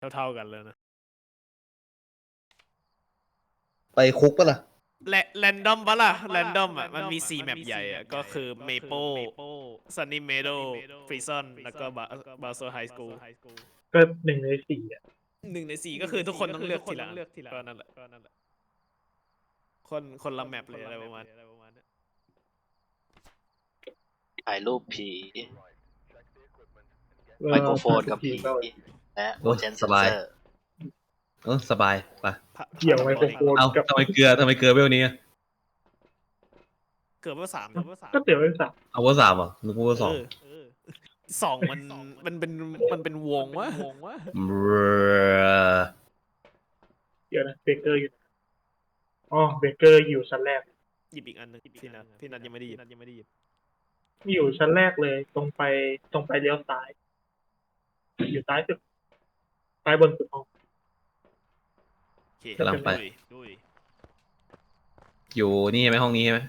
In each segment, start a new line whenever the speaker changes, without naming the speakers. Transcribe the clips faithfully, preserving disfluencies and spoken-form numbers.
เท่าๆกันเลยนะ
ไปคุกปะล่ะ
และแรนดอมปะล่ะแรนดอมอ่ะมันมีสี่แมปใหญ่อ่ะก็คือเมเปิลซันนี่เมโดฟรีซอนแล้วก็บาโซไฮสคูล
ก็หนึ่งในสี่อ่ะ
หนึ่งในสี่ก็คือทุกคนต้องเลือกทีหลังก็นั่นแหละคนคนละแมปเลยอะไรประมาณ
ถ่ายรูปผีไมโครโฟนกับผีและโอเจนเซนเซอร์
เออสบายไป
เกี่ยวไมโครโฟน
เอา
กับ
ทำไมเกลือทำไมเกลือเวลนี้
เกือบว่าสาม
ก็เตี๋ยวเป็นสาม
เอาว่าสามเหรอนึกว่าสอง
สองมันมันเป็นมันเป็นวงวะ
เดี๋ยวนะเบเกอร์อยู่อ๋อเบเกอร์อยู่ชั้นแรก
หยิบอีกอันนึงพี่นัทพี่นัทยังไม่ได้หยิบยังไม่ได้หยิบ
อยู่ชั้นแรกเลยตรงไปตรงไปเลี้ยวซ้ายอยู่ซ้ายสุดซ้ายบนสุดห้อง
โอเค
กำลังไป
ดุย
อยู่นี่ใช่ไหมห้องนี้ใช่ไหม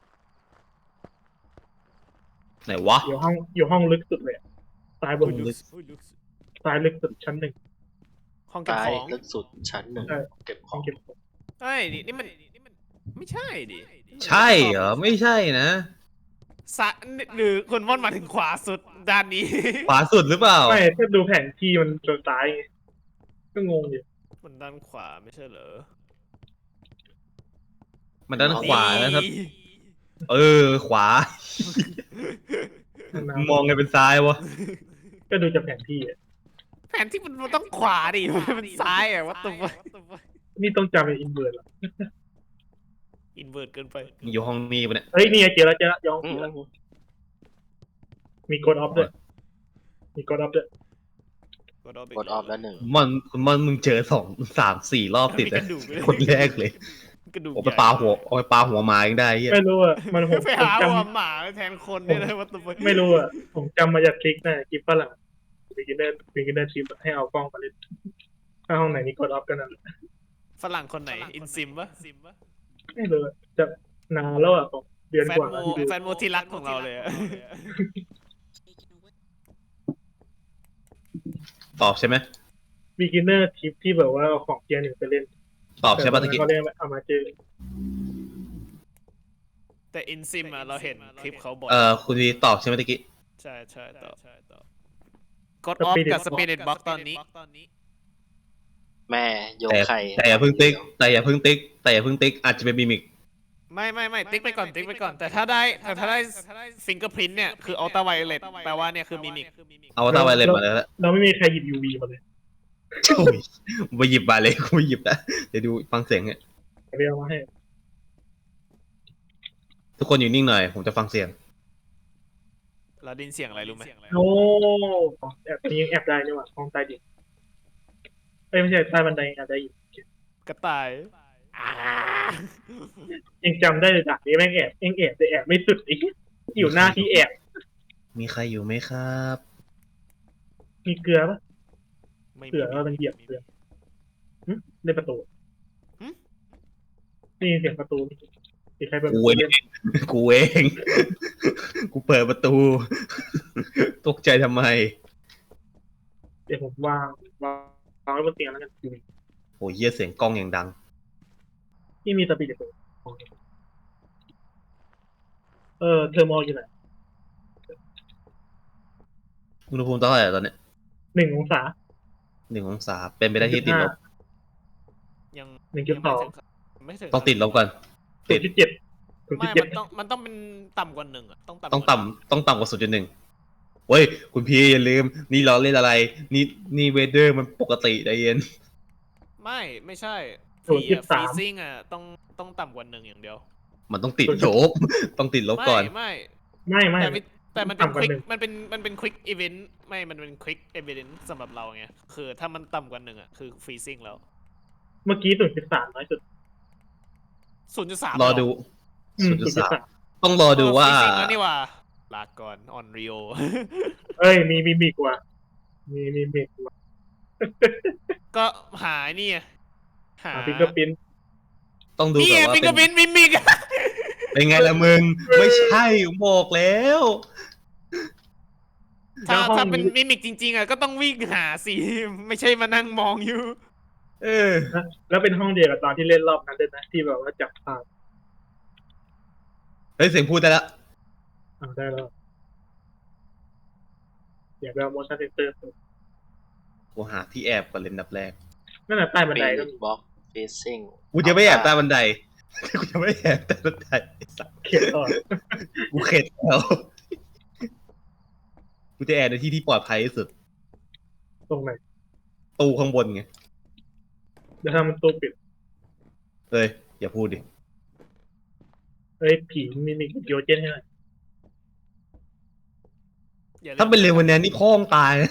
ไหนวะ
อยู่ห้องอยู่ห้องลึกสุดเลยซ้ายบน
ดุย
ซ้ายลึกสุดชั้นหนึ่ง
ห้องเก็บ
ตาย
ของ
ลึกสุดชั้นหนึ่งเก็บข
ห้
อ
อง
ง
เก็บของ
เฮ้ยนี่นี่มันนี่มันไม่ใช่ดิ
ใช่เหรอไม่ใช่นะ
สะหรือคนม่อนมาถึงขวาสุดด้านนี้
ขวาสุดหรือเปล่า
ไม่ถ้าดูแผนที่มันจนซ้ายไงก็งงอยู่
มันด้านขวาไม่ใช่เหรอ
มันด้านขวานะครับ เออ ขวา มองไงเป็นซ้ายวะ
ก็ดูจากแผนที่อ่ะ
แผนที่มันต้องขวาดิมันซ้ายอะวัตถุ
นี่ต้องจำเป็นอินเวอร์สหรอ
อินเวอร์ตเกินไป
อยู่ห้องนี้ปะเนี่ย
เฮ้ยนี่ไงเจอแล้วเจอแล้วย้องผีแล้วมีกดออฟด้วยมีกดออฟด้วย
กดออฟ
กดออฟแล้วหนึ่ง
มันคุณมันมึงเจอสองสามสี่รอบติดเลยคนแรกเลย
กระดูก
โอ้ไปปลาหัวเอาไปปลาหัวหมายังได้เฮีย
ไม่รู้อ่ะมันผม
ไป
ผม
หา
จ
หัวหมาแทนคนเนี่ยนะวัตถุ
ำไม่รู้อ่ะผมจำมาจากคลิกนะคลิปฝรั่งบิกินเนอร์บิกินเนอร์ทริปให้เอากล้องมาเล่นถ้าห้องไหนมีกดออฟกันนั่นแหละ
ฝรั่งคนไหนอินซิมปะ
ไม่รู้อะจะนานแล้วอ่ะผมเดือน
แฟ
ก
น
ว่า
โม
แล้วที่ดู
แฟนโมที่รักของเราเลยอะ
ตอบใช่ไหม
บิกินเนอร์ทริปที่แบบว่าเอาของเกียร์หนึ่งไปเล่น
ตอบใช่ปะตะกี้
เขาเรียกว่าเอามาเจอ
แต่อินซิมอะเราเห็นคลิปเขาบ่อย
เออคุณวีตอบใช่ไหมตะกี้
ใช่ใช่ต่อกดออฟกับสปิริตบ็อกตอนนี้
แม่โย
แต่
ไข่
แต่อย่าเพิ่งติ๊กแต่อย่าเพิ่งติ๊กแต่อย่าเพิ่งติ๊กอาจจะเป็นมิมิก
ไม่ไม่ไม่ติ๊กไปก่อนติ๊กไปก่อน แต่ถ้าได้แต่ถ้าได้ฟิงเกอร์พรินเนี่ยคืออัลตราไวเลตแปลว่าเนี่ยคือมิมิก
เอาตาไวเลนมาแล้ว
เราไม่มีใครหยิบ ยู วี มาเลย
โอ้ยไปหยิบมาเลยกูไม่หยิบนะเดี๋ยวดูฟังเสียงเนี่ย
เรียกมาให้
ทุกคนอยู่นิ่งหน่อยผมจะฟังเสียง
เราได้ยินเสียงอะไรรู้ไหม
โอ้แอบนี้ยังแอบได้นี่หว่าห้องใต้ดินเอ้ยไม่ใช่ใต้บันไดแอบได้อยู่
กระต่าย
ยังจำได้เลยจากนี้แม่งแอบเองแอบแต่แอบไม่สุดอีกอยู่หน้าที่แอบ
มีใครอยู่ไหมครับ
มีเกลือปะ
ไม่มี
เกลือว่ามันเหยียบเกลือหึในประตู
หึ
นี่เสียงประตูมีใครเปิดประ
กู
ตู
เอ
เล่น
งกูเองกูเปิดประตู ตกใจทำไม
เดี๋ยวผมวางวางวางไว้บนเตียงแล้วกัน
โอ้ยเยี่ยเสียงกล้องอย่างดัง
ที่มีสปีดเปิดเออเทอร์โมอยู่ไหน
อุณหภูมิเท่าไหร่ตอนเนี้ย
หนึ่งองศา
หนึ่งองศาเป็นไปได้ที่ติดลบ
ยัง
หนึ่งจุดสอง
ไม่ถึง
ต้องติดลบก่อน
ศู
ติ
น
ด
ย์จุดเจ็ดศูนย์จุ
ไม่
ดเจ็ด
มันต้องมันต้องเป็นต่ำกว่าหนึ่งอะต้องต่ำ
ต้องต่ำต้องต่ำกว่าศูนย์จุดหนึ่งเว้ยคุณพี่อย่าลืม นี่เราเล่นอะไร นี่นี่เวเดอร์มันปกติใจเย็น
ไม่ไม่ใช่
ศูนย์จุด
ฟรี
สาม
ซิ่งอะต้องต้องต่ำกว่าหนึ่งอย่างเดียว
มันต้องติดลบ ต้องติดลบก่อน
ไม่
ไม่ไม่
แต่ไม่แต่มันเป็น
ต่ำกว่า
ควิก
หนึ่ง
มันเป็นมันเป็นควิกอีเวนต์ไม่มันเป็นควิกอีเวนต์สำหรับเราไงคือถ้ามันต่ำกว่าหนึ่งอะคือฟรีซิ่งแล้ว
เมื่อกี้ศูนย์จุดสามน้อยสุด
ศูนย์จุดสาม
รอดู
อืม
ศูนย์จุดสาม
ศูนย์จุดสาม
ต้องรอดูว่า
ฟรีซิ่งแล้วนี่ว่าลาก่อนออนริโอ
เอ้ยมีมีมีกว่า มีมีมีกว่า
ก็หานี่ไงหา
หาฟิงเกอร์พิน
ต้องดู
นี่
แบบว่า
ฟิงเก
เป็
อน ร์พินมิมิก
เป็นไงล่ะมึง ไม่ใช่ผมบอกแล้ว
ถ้า
แล้วห้อง
ถ้าเป็น
นี้
มิมิกจริง ๆอ่ะก็ต้องวิ่งหาสิ ไม่ใช่มานั่งมองอยู่
เออ
นะแล้วเป็นห้องเดียวกับตอนที่เล่นรอบนั้นด้วยนะที่แบบว่าจับภาพ
เฮ้ยเสียงพูดได้ละ
เอาได้แล้วอยากไปเอา motion sensor
กูหาที่แอบก่อนเลยอันดับแรก
นั่นแหละใต้บัน
ปี
ไดก็มี
บล็อกเฟซซิ่ง
กูจะไม่แอบใต้บันได กูจะไม่แอบใต้บันไดไอ้สัส
เขียนต่อ
กูเข็ดแล้ว กูจะแอบในที่ที่ปลอดภัยที่สุด
ตรงไหน
ตู้ข้างบนไง
เดี๋ยวถ้ามันตู้ปิด
เอ้ยอย่าพูดดิ
เฮ้ยผีมีมีเกียวเจนให้หน่อย
อย่าล่
ถ้าเป็นเร็ววันนี้นี่พ่องตายนะ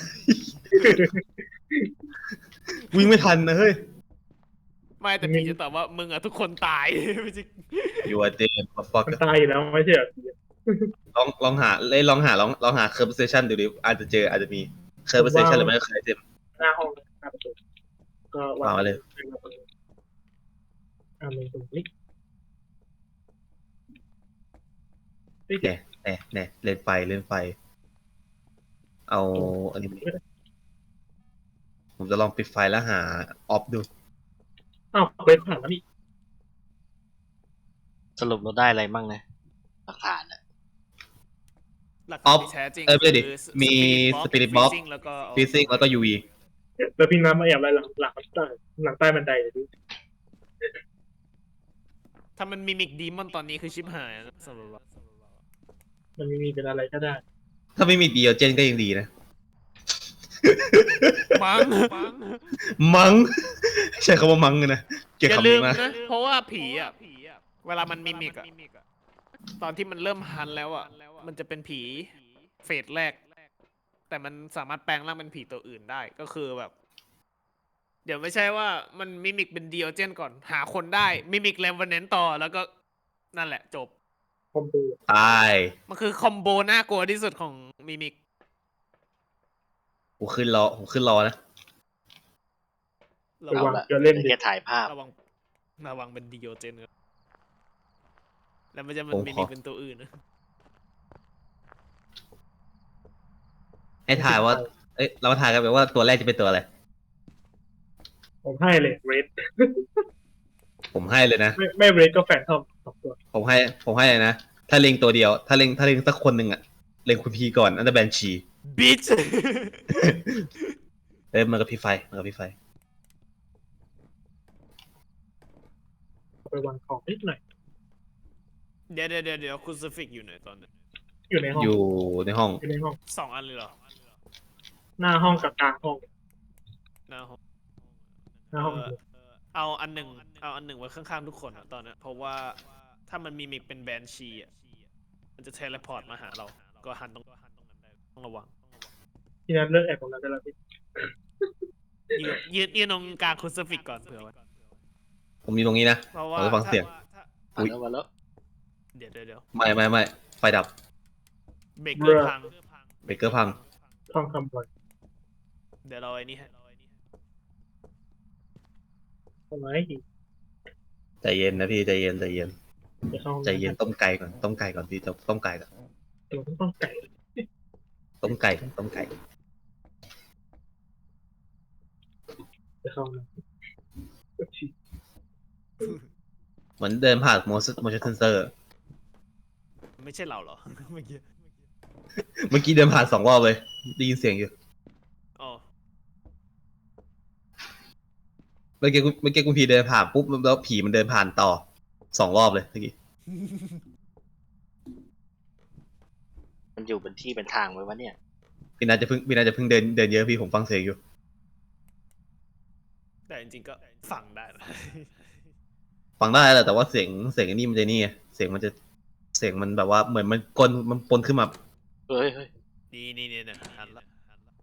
วิ่งไม่ทันนะเฮ้ย
ไม่แต่ผีจะตอบว่ามึงอ่ะทุกคนตาย ไม่ใช่
อยู่อะเจมฟัก
มันตายอยู่แล้วไม่ใช่เหรอ
ลองลองหาเล่นลองหาลองลองหาเคอร์ s เซชันดูดิอาจจะเจออาจจะมีเคอร์ s เซชันหรือไม่ก็เคยเจม
หน้าห้องหน้าประตูก็
วางไว้เลย
อ่ามึงตรงนี้
แน่แน่แน่เล่นไฟเล่นไฟ เอาอันนี้ผมจะลองปิดไฟแล้วหาออฟดู
อ้าวเคยผ่านแล้วนี่
สรุปเราได้อะไรมั่งนะหลักฐานอะ
หลัก
ออฟ
ที่แท้จริง
เออไม่ได้ดิ
คือ
มี
Spirit
Spirit
Box
Box
Freezing แล้วก็
ฟิสิกแล้วก็ยูวี
แล้วพี่น้ำมาแอบอะไรหลังหลังใต้หลังใต้บันไดเลยดิ
ถ้ามันมิมิกดีมอนตอนนี้คือชิบหายนะสำหรับเรา
มันมีเป็นอะไรก็ได้
ถ้าไม่มีเดียวเจนก็ยังดีนะ
มั้งมั้ง
มัง ใช้คำว่ามังเลยนะเกี่ยว
อย่า
กับ
ลื
นี้
ม
มา
นะ เพราะว่าผีอ่ะเวลามันมิมิกอ่ะตอนที่มันเริ่มฮันแล้วอ่ะมันจะเป็นผีเฟสแรก แต่มันสามารถแปลงร่างเป็นผีตัวอื่นได้ก็คือแบบ เดี๋ยวไม่ใช่ว่ามันมิมิกเป็นเดียวเจนก่อน หาคนได้มิมิกแรมวันเนนต่อแล้วก็นั่นแหละจบ
คอมโบ
ตาย
มันคือคอมโบน่ากลัวที่สุดของมิมิก
ผมขึ้นรอผมขึ้นรอนะ
ระ
ระ
วั
วั
ง
งจะเล่น
แค่
เด็ก
ถ่ายภาพ
ระวังระวังเป็นเดียวเจนครับแล้วมันจะมัน
ผมขอ
มิมิกเป็นตัวอื่นนะ
ให้ถ่ายว่า เอ้ยเรามาถ่ายกันไปว่าตัวแรกจะเป็นตัวอะไร
ผมให้เลยเรด
ผมให้เลยนะ
ไม่ไม่เรดก็แฟนทอมสองตัว
ผมให้ ผมให้เลยนะ ถ้าเล็งตัวเดียว ถ้าเล็งถ้าเล็งสักคนหนึ่งอะเล็งคุณพีก่อนอันดับแบนชี
บิช
เอ้ยมันกับพี่ไฟมันกับพี่ไฟ
ไปวางของนิดหน่อย
เดี๋ยวเดี๋ยวเดี๋ยวเดี๋ยวคุณสฟิกอยู่ไหนตอนนี้
อยู่ในห้อง
อยู่ในห้อง
อยู่ในห้อง
สองอันเลยเหรอ
หน้าห้องกับกลางห้อง
หน้าห้อง
หน้าห้อง
เออเอาอันหนึ่งเอาอันหนึ่งไว้ข้างๆทุกคนอะตอนนี้เพราะว่าถ้ามันมีมิกเป็นแบนชีอะมันจะเทเลพอร์ตมาหาเรา ก็หันตรงต้องระวัง
ที่นั้นเลิกแอบตรงนั้นได้แล้วพี่
ยืนยืนยืนตรงกลางคุณสฟิกก่อนเผื่อไว้
ผมอยู่ตรงนี้นะ
เพราะว่า
เราจะฟังเสียง
ถ้า
อุ๊ย
มาแล้วมาแล้ว
เดี๋ยวเดี๋ยวเดี๋ยว
ไม่ไม่ไม่ไฟดับ
เบรกเกอร์พัง
เบรกเกอร์พัง
ห้องคำบอย
เดี๋ยวเราไอ้นี่ให้
ทำไมอีก
ใจเย็นนะพี่ใจเย็นใจเย็น
ไปเข้าห้อง
ใจเย็นต้มไก่ก่อนต้มไก่ก่อนพี่จะต้มไก่ก่อน
ตัวต้องไก่
ต้มไก่ก่อนต้มไก่
ไปเข้าห้อง
เหมือนเดินผ่านโมชั่นโมชั่นเซนเซอร์
ไม่ใช่เราเหรอ เมื่อกี้
เมื่อกี้เดินผ่านสองรอบเลยได้ยินเสียงอยู่
อ๋อ
เมื่อกี้คุณเมื่อกี้คุณพีเดินผ่านปุ๊บแล้วผีมันเดินผ่านต่อสองรอบเลยเมื่อกี้
มันอยู่เป็นที่เป็นทางไว้วะเนี่ย
พี่นาจะเพิ่งพี่นาจะเพิ่งเดินเดินเยอะพี่ผมฟังเสียงอยู่
แต่จริงๆก็ฟังได้นะ
ฟังได้แหละแต่ว่าเสียงเสียงไอันนี้มันจะนี่ไงเสียงมันจะเสียงมันแบบว่าเหมือนมันกลนมันปนขึ้นมา
เฮ้ยเฮ้ย
นี่นี่นี่นะหันละหันละ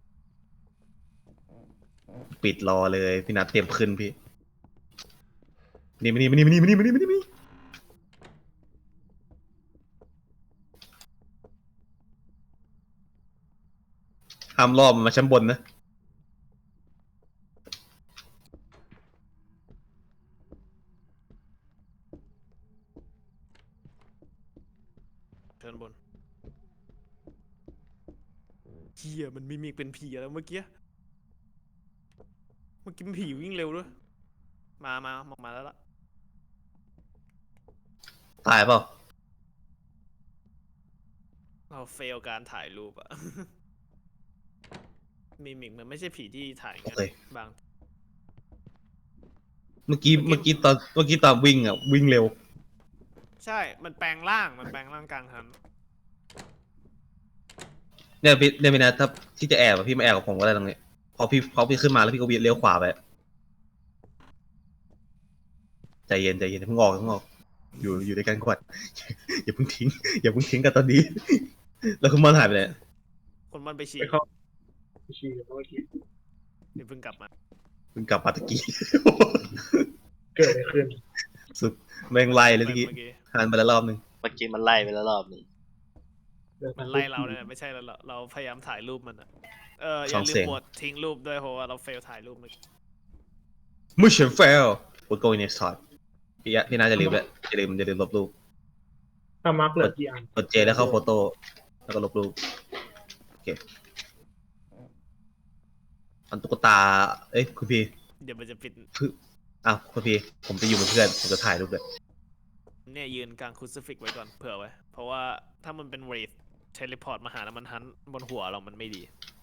ปิดรอเลยพี่นัทเตรียมขึ้นพี่นี่มานี่มานี่มานี่มานี่มานี่มานี่มานี่ห้ามรอบมันมาชั้นบนนะ
เชิญบนเฮียมันมิมิกเป็นผีแล้วเมื่อกี้เมื่อกี้เป็นผีวิ่งเร็วด้วยมามามามาแล้วล่ะ
ตายเปล่า
เราเฟลการถ่ายรูปอะ มิมิกมันไม่ใช่ผีที่ถ่าย
โอ
งั้น
เค
บาง
เมื่อกี้เมื่อกี้ตอนเมื่อกี้ตอนวิ่งอ่ะวิ่งเร็ว
ใช่มันแปลงร่างมันแปลงร่างกลางทัน
เนี่ยพี่เนี่ยพี่นะถ้าที่จะแอบอะพี่มาแอบกับผมก็ได้ตรงนี้พอพี่พอพี่ขึ้นมาแล้วพี่ก็วิ่งเลี้ยวขวาไปใจเย็นใจเย็นอย่าเพิ่งออกอย่าเพิ่งออกอยู่อยู่ด้วยกันก่อน อย่าเพิ่งทิ้งอย่าเพิ่งทิ้งกันตอนนี้ แล้วคุณมอนหายไปไหน
คนมันไปฉี่
ไปเข้าไปฉี่กันเมื่อกี้
เดี๋ยวเพิ่งกลับมา
เพิ่งกลับมาตะกี้
เกิดอะไรขึ้น
สุดแม่งไล่เลยตะกี้
เมื่อกี้
หันไปแล้วรอบนึง
เมื่อกี้มันไล่ไปแล้วรอบหนึ่ง
มันไล่เราเนี่ยไม่ใช่แล้วเราเราพยายามถ่ายรูปมันอะเอออย่าลืมกดทิ้งรูปด้วยเพราะว่าเราเฟลถ่ายรูปเมื่อกี้
Mission fail we're going next time พี่อะพี่น่าจะลืมแล้วอย่าลืมอย่าลืมลบรูป
ถ้ามาร์กเหลือกี่อัน
กดเจแล้วเข้าโฟโต้แล้วก็ลบรูปโอเคอันตุ๊กตาเอ้ยคุณพี่
เดี๋ยวมันจะปิด
อ้าวคุณพี่ผมจะอยู่เป็นเพื่อนผมจะถ่ายรูปเลย
เนี่ยยืนกลางคูซิฟิกไว้ก่อนเผื่อไว้ เพราะว่าถ้ามันเป็นเรทเทเลพอร์ตมาหาแล้วมันหันบนหัวเรามันไม่ดี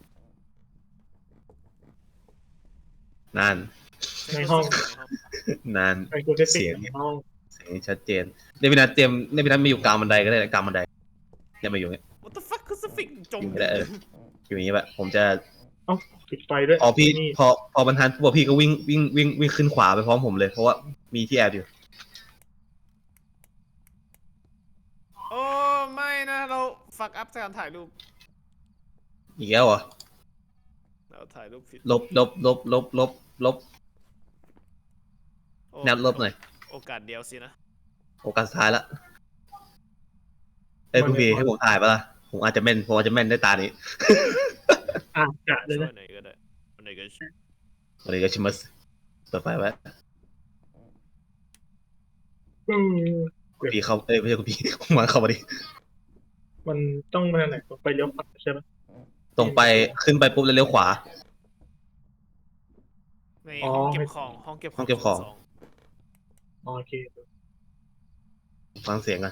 นาน
ในห้อง
นาน
ไอ้กูได้
เสี
เสี
ย
ย
ง
งในห้อง
เสียงชัดเจนเดวินัทเตรียมเดวินัทมาอยู่กลางบันไดก็ได้กลางบันไดอย่ามาอยู่เนี่ย
What the fuck คูซิฟิกจม
อยู่ไม่ได้เออ อยู่อย่างนี้แบบผมจะ
เอ้าปิดไฟด้วย
พอพี่
นี่
พอพอบรรทัดปุ๊บพี่ก็วิ่งวิ่งวิ่งวิ่งขึ้นขวาไปพร้อมผมเลยเพราะว่ามีที่แอบอยู่
โอ้ไม่นะเราฟักอัพการถ่ายรูป
อีกแล้วเหรอ
เราถ่ายรูปผิด
ลบลบลบลบลบลบ
โอ้
แนบลบหน่อย
โอกาสเดียวสินะ
โอกาสสุดท้ายละเอ้ยคุณพี่ให้ผมถ่ายปะล่ะผมอาจจะแม่นผมอาจจะแม่นได้ตานี้
อ่ะกะเลย
ช่ว
นะ
ยหน่อยก็ได้วันไหนก็ช่วย
วันนี้ก็ชิมัสเปิดไฟไว้
อืม
คุณพี่เข้าเอ้ยไม่ใช่คุณพี่ ผมมาเข้ามาดิ
มันต้องมาทางไหนไปเลี้ยวขวาใช่ไหม
ตรงไปขึ้นไปปุ๊บแล้วเลี้ยวขวา
ใน
อ๋อ
ห้องเก็บของห้องเก็บ
ห้องเก็บของ
ส่
อ๋อโอเค
ฟังเสียงกัน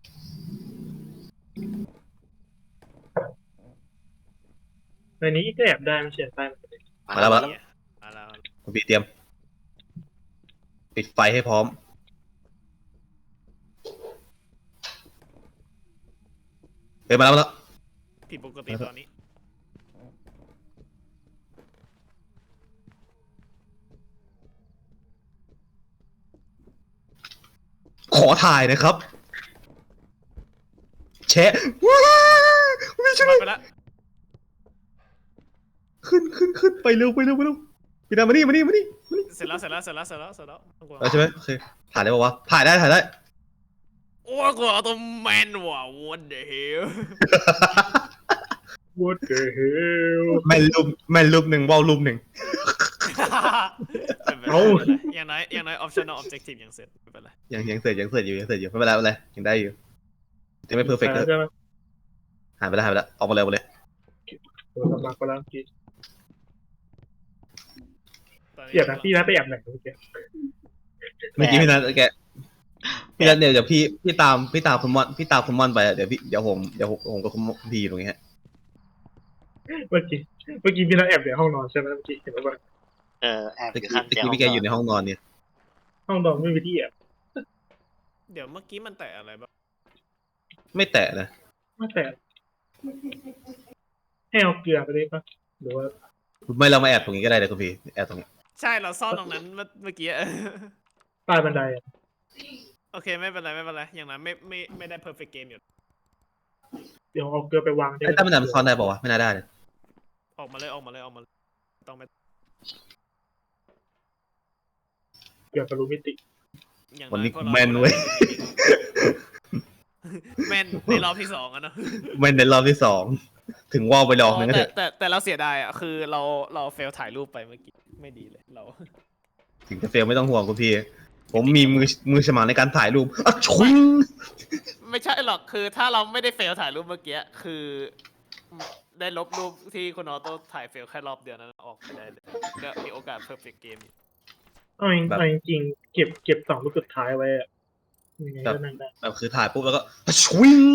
ในนี้ก็แอบได้ไม่ใช่ใต้มันเลย
มาแล้วมาแล้ว
เนี่ยมาแล้ว
คุณพี่เตรียม ปิดไฟให้พร้อม เฮ้ยมาแล้วมาแล้ว
ผิดปกติตอนนี้
ขอถ่ายนะครับ แชะว้าวไม่ใช่
มาไปแล้ว
ขึ้นขึ้นขึ้นไปเร็วไปเร็วไปเร็วพี่ดามานี่มานี่มานี่มานี่
เสร็จแล้วเสร็จแล้วเสร็จแล้วเสร็จแล้วเสร็จแล้วต้องกลัว
เอาใช่ไหมโอเคถ่ายได้ปะวะถ่ายได้ถ่ายได้
โอ้ยกลัวตัวแมนว่ะ what the hell
What the hell
แม่นรูปแม่นรูปหนึ่งว่าวรูปหนึ่ง
ไม่เป็นไร
เอ้า
ไม่เป็นไรอย่างน้อยอย่างน้อย optional objective ยังเสร็จไม่เป็นไร
ยังยังเสร็จยังเสร็จอยู่ยังเสร็จอยู่ไม่เป็นไรไม่เป็นไรยังได้อยู่ยังไม่เพอร์เฟกต์เลย
ใช่ไหม
หายไปแล้วหายไปแล้วออกมาเลยออกมาเลย
โดนมาก็แล้วกิน
ตอนนี้
เดี๋ยวนะพี่นัทไปแอบไหนเมื่อกี้
เมื่อกี้พี่นัทแกพี่นัทเดี๋ยวเดี๋ยวพี่พี่ตามพี่ตามคุณมอนพี่ตามคุณมอนไปอะเดี๋ยวพี่เดี๋ยวผมเดี๋ยวผมผมกับคุณพี่อยู่ตรงนี้ฮะ
เมื่อกี้เมื่อกี้พี่นัทแอบในห้องนอนใช่ไหมเมื่อกี้เห็นว่า
เออแอบ
ตะ
อยู่
กี้
ข้าง
ตะ
เตียง
กี้พี่แกอยู่ในห้องนอนเนี่ย
ห้องนอนไม่มีที่แอบ
เดี๋ยวเมื่อกี้มันแตะอะไรบ้าง
ไม่แตะนะ
ไม่แต่ให้เอาเกลือไปได้ปะหรือว่า
ไม่เรามาแอบตรงนี้ก็ได้เลยคุณพี่แอบตรงนี้
ใช่เราซ่อนตรงนั้นเมื่อเมื่อกี้
ใต้บันไดอะ
โอเคไม่เป็นไรไม่เป็นไรอย่างนั้นไม่ไม่ไม่ได้ perfect game อยู่
เดี๋ยวเอาเกลือไปวาง
ไอ้ตั้มมันมันซ่อนได้ป่าวะไม่น่าได้เลย
ออกมาเลยออกมาเลยออกมาเลยต้องไป
เกลือกับรูมิติ
อย่าง
วัน
น้อย
นี้
พวกเรา
แมนเว้ย
แมนในรอบที่สองอะเนาะ
แมนในรอบที่สองถึงว่าวไปลองนึงก็
แต่
เถอะ
แต่แต่เราเสียดายอ่ะคือเราเราเฟลถ่ายรูปไปเมื่อกี้ไม่ดีเลยเรา
ถึงจะเฟลไม่ต้องห่วงคุณพี่ ผมมีมือมือฉมังในการถ่ายรูปอ่ะชุง
ไม่ใช่หรอกคือถ้าเราไม่ได้เฟลถ่ายรูปเมื่อกี้คือได้ลบรูปที่คุณออโต้ถ่ายเฟลแค่รอบเดียวนั้นออกไปได้เลยก็มีโอกาสเพอร์เฟกต์เกม
เอาจริง
แบบ
เอาจริงๆเก็บเก็บสองลูกสุดท้ายไว้อะยังไง
แบบ
ก็นั่นได้
แบบคือถ่ายปุ๊บแล้วก็ชวิง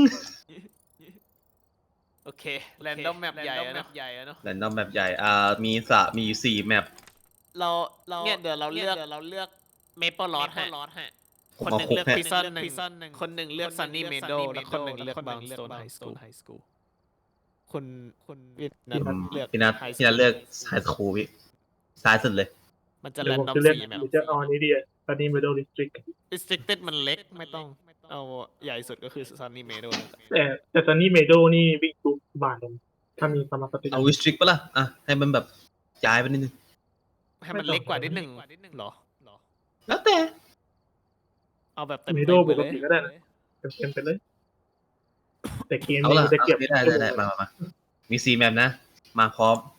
โอเคแรนดอมแมปใหญ่อะเนาะใหญ่อะเนาะ
แรนดอมแบบใหญ่อ่ามีสระมีอยู่สี่แมป
เราเราเนี่ยเดี๋ยวเราเลือกเราเลือกเมเปิลลอดฮะ
ผม
คน
เอา
หนึ่ง
หก
เลือก
ฮะ
พิซซันหนึ่งคนหนึ่งเลือกซันนี่เมโดและคนหนึ่งเลือกบางสโตนไฮสคูลคุณคุณวิทย์นัทเลือก
พี่นัท
High
พี่นัท
School
เลือกไฮสคูลพี่ซ้ายสุดเลย
มันจะ
เดี๋
แร
ยวน ผม
ดอม
จะเลือก
สี่แมป
หรือจะเอาอันนี้ดีอะตอนนี้ Middle District
restricted มันเล็กไม่ต้องเอาใหญ่สุดก็คือซันนี่เมโด
แต่แต่ตอนนี้เมโดนี่วิ่งทุกบาทเลยถ้ามีสมาร์ทสติ
เอาวิสตริกปะล่ะอ่ะให้มันแบบย้ายไปนิดนึง
ให้มันเล็กกว่านิดหนึ่งเหรอ
แล้วแต่
เอาแบบเต็ม
เม
ๆ
โด
ไป
ปก
เลย
ติก็ได้นะเต็มๆไปเลย แต่เกม
เอา
นี้
ล่ะ
มันจะเก็บ
ได้ได้ได้มามามามีสี่แมปนะ มาพร้อม